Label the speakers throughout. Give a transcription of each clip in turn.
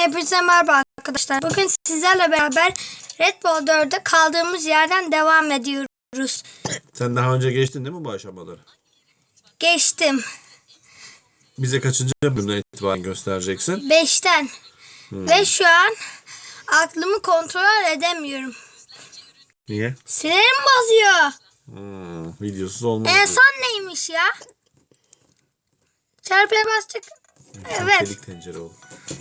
Speaker 1: Hepinize merhaba arkadaşlar. Bugün sizlerle beraber Red Bull 4'e kaldığımız yerden devam ediyoruz.
Speaker 2: Sen daha önce geçtin değil mi bu aşamaları?
Speaker 1: Geçtim.
Speaker 2: Bize kaçıncı bölümden itibaren göstereceksin?
Speaker 1: 5'ten. Ve şu an aklımı kontrol edemiyorum.
Speaker 2: Niye?
Speaker 1: Sinirim bozuyor.
Speaker 2: Videosuz olmaz.
Speaker 1: En son neymiş ya? Çarpıya bastık. Evet.
Speaker 2: Çelik tencere oldu.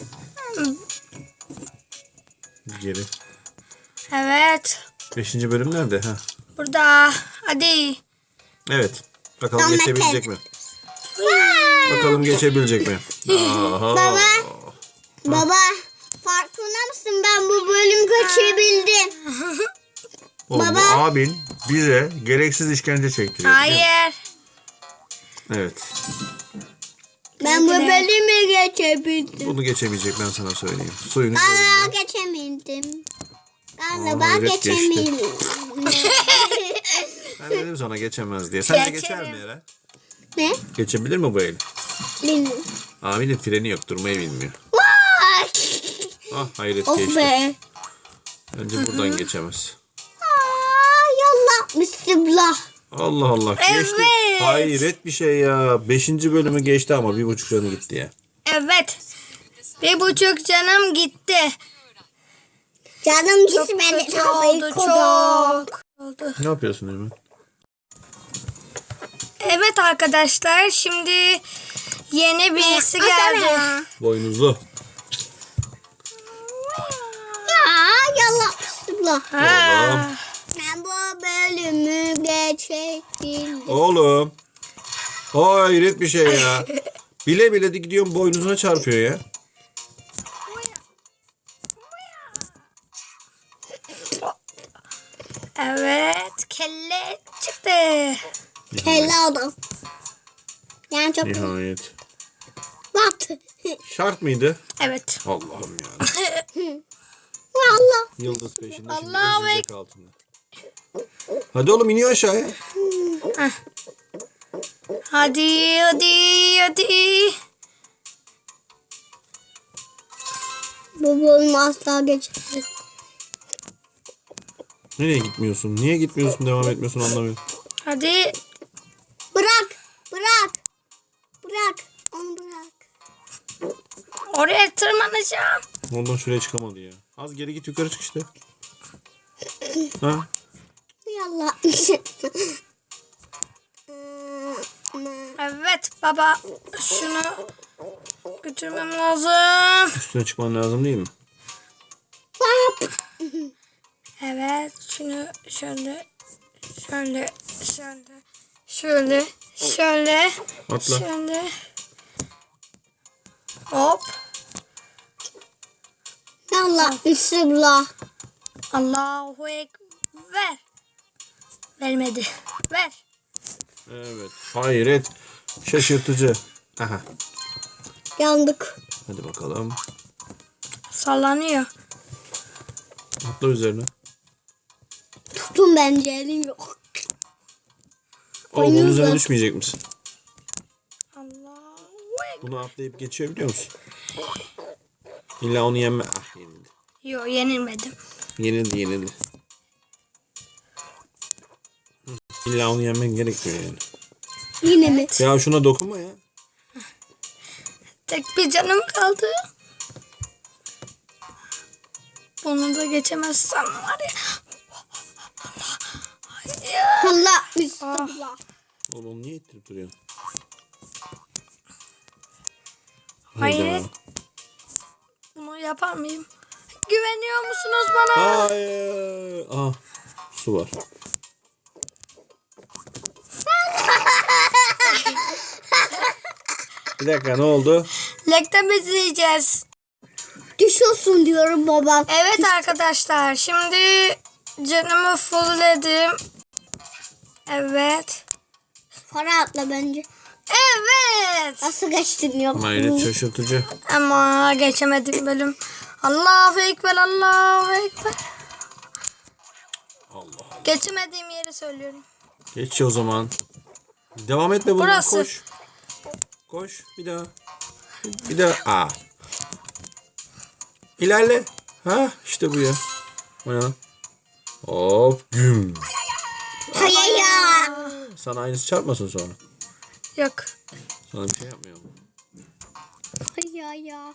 Speaker 2: Geri.
Speaker 1: Evet.
Speaker 2: 5. bölüm nerede? Ha.
Speaker 1: Burada. Hadi.
Speaker 2: Evet. Bakalım geçebilecek mi? Bakalım geçebilecek mi? Aha.
Speaker 3: Baba farkında mısın, ben bu bölüm kaçabildim.
Speaker 2: Oğlum, bu abin bize gereksiz işkence çektiriyor.
Speaker 1: Hayır.
Speaker 2: Evet.
Speaker 3: Ben bu bölümü geçebildim.
Speaker 2: Bunu geçemeyecek, ben sana söyleyeyim. Suyunu
Speaker 3: Galiba
Speaker 2: görünce.
Speaker 3: geçemedim. Galiba
Speaker 2: hayret,
Speaker 3: geçemedim.
Speaker 2: Ben dedim sana geçemez diye. Sen de geçer
Speaker 1: Geçerim.
Speaker 2: mi Eren?
Speaker 3: Ne?
Speaker 2: Geçebilir mi bu el?
Speaker 3: Bilmiyorum.
Speaker 2: Abinin freni yok, durmayı bilmiyor.
Speaker 3: Vay!
Speaker 2: Ah hayret
Speaker 3: Oh
Speaker 2: geçti.
Speaker 3: be.
Speaker 2: Bence buradan geçemez.
Speaker 3: Yallah bismillah.
Speaker 2: Allah Allah geçti.
Speaker 1: Evet.
Speaker 2: Hayret bir şey ya. 5. bölümü geçti ama 1,5 canı gitti ya.
Speaker 1: Evet. 1,5 canım gitti.
Speaker 3: Canım
Speaker 1: Çok
Speaker 3: gitmedi.
Speaker 1: kötü oldu. Çok oldu.
Speaker 2: Ne yapıyorsun Eymen?
Speaker 1: Evet arkadaşlar, şimdi yeni birisi geldi.
Speaker 2: Boynuzlu.
Speaker 3: Ya yallah bismillah.
Speaker 1: Ha.
Speaker 3: Ben bu bölümü geçebildim.
Speaker 2: Oğlum. Hayret bir şey ya. Bile bile de gidiyorum boynuzuna çarpıyor ya.
Speaker 1: Evet, kelle çıktı.
Speaker 3: Kelle adam. Yani çok
Speaker 2: Nihayet.
Speaker 3: battı.
Speaker 2: Şart mıydı?
Speaker 1: Evet.
Speaker 2: Allah'ım ya.
Speaker 3: Valla.
Speaker 2: Yıldız peşinde şimdi
Speaker 1: Allahu
Speaker 2: ezecek altında. Hadi oğlum iniyor aşağıya.
Speaker 1: Hadi, hadi, hadi.
Speaker 3: Bu bölümü asla geçemez.
Speaker 2: Nereye gitmiyorsun? Niye gitmiyorsun? Devam etmiyorsun anlamıyorum.
Speaker 1: Hadi.
Speaker 3: Bırak. Bırak. Bırak. Onu bırak.
Speaker 1: Oraya tırmanacağım.
Speaker 2: Ondan şuraya çıkamadı ya. Az geri git, yukarı çık işte. Ha?
Speaker 3: Yallah.
Speaker 1: Evet baba, şunu götürmem lazım.
Speaker 2: Üstüne çıkman lazım değil mi?
Speaker 1: Evet, şunu şöyle, şöyle, şöyle, şöyle, şöyle,
Speaker 2: Atla.
Speaker 1: şöyle. Hop.
Speaker 3: Yallah. Bismillah.
Speaker 1: Allahu Ekber. Vermedi. Ver.
Speaker 2: Evet. Hayret. Şaşırtıcı. Aha.
Speaker 3: Yandık.
Speaker 2: Hadi bakalım.
Speaker 1: Sallanıyor.
Speaker 2: Atla üzerine.
Speaker 3: Tutun, bence elim yok.
Speaker 2: Oğlum bunun üzerine
Speaker 3: Oyunuzla.
Speaker 2: düşmeyecek misin?
Speaker 1: Allahu Ekber.
Speaker 2: Bunu atlayıp geçiyor biliyor musun? İlla onu yenme. Ah yenildi.
Speaker 1: Yok, yenilmedim.
Speaker 2: Yenildi. İlla onu yenmen gerekmiyor yani.
Speaker 3: Yine mi?
Speaker 2: Ya şuna dokunma ya.
Speaker 1: Tek bir canım kaldı. Bunu da geçemezsem var ya.
Speaker 3: Allah. Bismillah.
Speaker 2: Oğlum onu niye ittirip duruyorsun?
Speaker 1: Hayır.
Speaker 2: Hayda.
Speaker 1: Bunu yapar mıyım? Güveniyor musunuz bana?
Speaker 2: Hayır. Ah, su var. Bir dakika, ne oldu?
Speaker 1: Lekte izleyeceğiz.
Speaker 3: Düşüyorsun diyorum baba.
Speaker 1: Evet arkadaşlar, şimdi canımı fullledim. Evet.
Speaker 3: Para atla bence.
Speaker 1: Evet.
Speaker 3: Nasıl geçtin yok?
Speaker 2: Hayret, şaşırtıcı.
Speaker 1: Ama geçemedim bölüm. Allahu Ekber, Allahu Ekber.
Speaker 2: Allah.
Speaker 1: Geçemediğim yeri söylüyorum.
Speaker 2: Geç o zaman. Devam etme bundan.
Speaker 1: Burası.
Speaker 2: Koş. Koş bir daha. Bir daha. Aa. İlerle. Ha işte bu ya. Oyan. Hop güm.
Speaker 3: Hayır ya.
Speaker 2: Sana aynısı çarpmasın sonra.
Speaker 1: Yok.
Speaker 2: Sana bir şey yapmıyor mu?
Speaker 3: Hayır ya.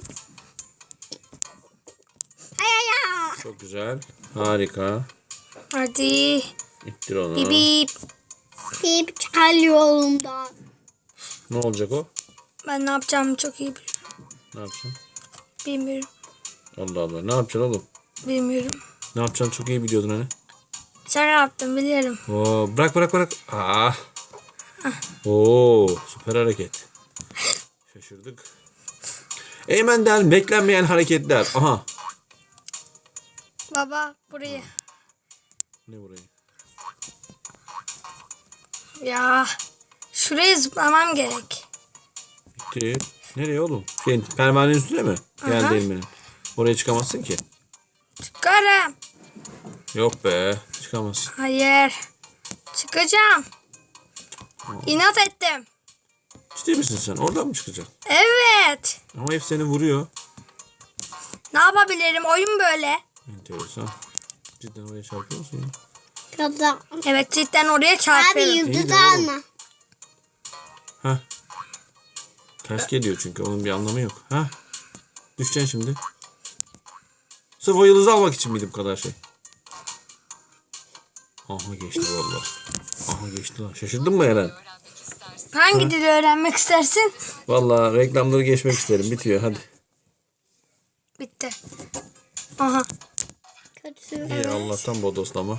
Speaker 3: Hayır ya.
Speaker 2: Çok güzel. Harika.
Speaker 1: Hadi.
Speaker 2: İttir onu.
Speaker 1: Bip bip.
Speaker 3: Hep çıkarıyor yolumdan.
Speaker 2: Ne olacak o?
Speaker 1: Ben ne yapacağımı çok iyi biliyorum.
Speaker 2: Ne yapacaksın?
Speaker 1: Bilmiyorum.
Speaker 2: Allah Allah. Ne yapacaksın oğlum?
Speaker 1: Bilmiyorum.
Speaker 2: Ne yapacaksın çok iyi biliyordun hani.
Speaker 1: Şaka yaptım biliyorum.
Speaker 2: Oo, bırak. Ah. Oo, süper hareket. Şaşırdık. Eymen'den beklenmeyen hareketler. Aha.
Speaker 1: Baba burayı.
Speaker 2: Ne burayı?
Speaker 1: Ya. Şuraya zıplamam gerek.
Speaker 2: Bitti. Nereye oğlum? Pervanenin üstüne mi? Geldi
Speaker 1: Aha.
Speaker 2: Eymen'in. Oraya çıkamazsın ki.
Speaker 1: Çıkarım.
Speaker 2: Yok be. Çıkamazsın.
Speaker 1: Hayır. Çıkacağım. İnat ettim.
Speaker 2: Ciddi misin sen? Oradan mı çıkacaksın?
Speaker 1: Evet.
Speaker 2: Ama hep seni vuruyor.
Speaker 1: Ne yapabilirim? Oyun böyle.
Speaker 2: Enteresan. Cidden oraya çarpıyor musun ya?
Speaker 3: Kaza.
Speaker 1: Evet cidden oraya
Speaker 3: Abi
Speaker 1: çarpıyorum.
Speaker 2: İyi
Speaker 3: yıldız
Speaker 2: de oğlum.
Speaker 3: alma.
Speaker 2: Hah. Ters geliyor çünkü. Onun bir anlamı yok. Hah. Düşeceksin şimdi. Sırf o yıldızı almak için miydi bu kadar şey? Aha geçti vallahi. Aha geçti lan. Şaşırdın mı Eren?
Speaker 1: Hangi dili öğrenmek istersin?
Speaker 2: Vallahi reklamları geçmek isterim. Bitiyor hadi.
Speaker 1: Bitti. Aha.
Speaker 3: Kötü.
Speaker 2: İyi Allah'tan bodoslama.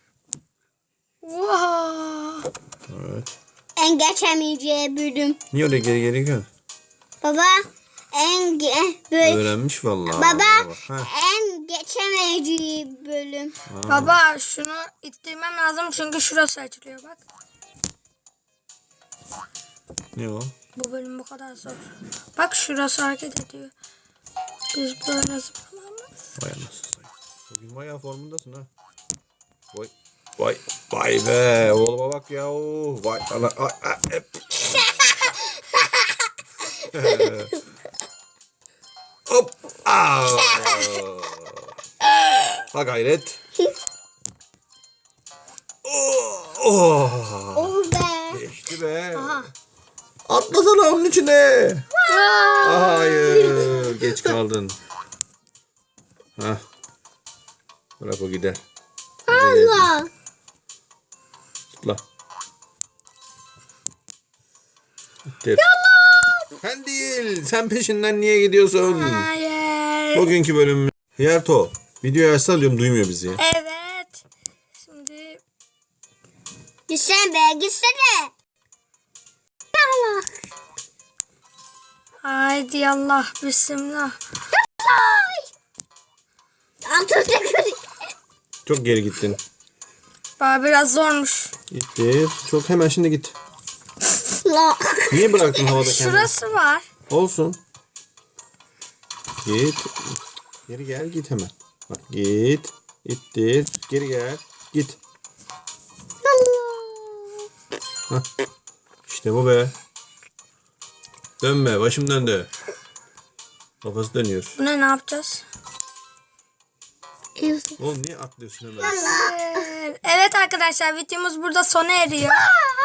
Speaker 1: Wow.
Speaker 2: Evet.
Speaker 3: En geçemeyeceği bölüm.
Speaker 2: Niye öyle geri gidiyorsun?
Speaker 3: Baba böyle.
Speaker 2: Öğrenmiş vallahi.
Speaker 3: Baba
Speaker 2: Bak, ha.
Speaker 3: en geçemeyeceği bölüm.
Speaker 1: Baba şunu ittirmem lazım çünkü şurası açılıyor bak.
Speaker 2: Ne o?
Speaker 1: Bu bölüm bu kadar zor. Bak şurası hareket ediyor. Biz böyle zıplamamız.
Speaker 2: Vay anasını. Bugün bayağı formundasın ha. Vay. Vay be. Oğluma bak ya. Vay ana. Hep. Hop. Aa. Ha gayret. Oh.
Speaker 3: Oh be.
Speaker 2: Geçti be.
Speaker 1: Aha.
Speaker 2: Atlasana onun içine. Hayır. Geç kaldın. Hah. Bırak o gider.
Speaker 3: Allah.
Speaker 2: Zıpla. İttir. Sen değil. Sen peşinden niye gidiyorsun?
Speaker 1: Hayır.
Speaker 2: Bugünkü bölümümüz. Hiyerto. Videoyu açsana diyorum duymuyor bizi.
Speaker 1: Evet. Şimdi
Speaker 3: Gitsene be gitsene. Allah.
Speaker 1: haydi Allah bismillah.
Speaker 3: Altında
Speaker 2: Çok geri gittin.
Speaker 1: Baba biraz zormuş.
Speaker 2: İttir. Çok hemen şimdi git.
Speaker 3: La.
Speaker 2: Niye bıraktın havada kendini?
Speaker 1: Şurası var.
Speaker 2: Olsun. Git. Geri gel git hemen. Bak git. İttir. Geri gel. Git. Hah. İşte bu be. Dönme. Başım döndü. Kafası dönüyor.
Speaker 1: Buna ne yapacağız?
Speaker 2: Oğlum niye atlıyorsun hemen?
Speaker 1: Evet arkadaşlar videomuz burada sona eriyor.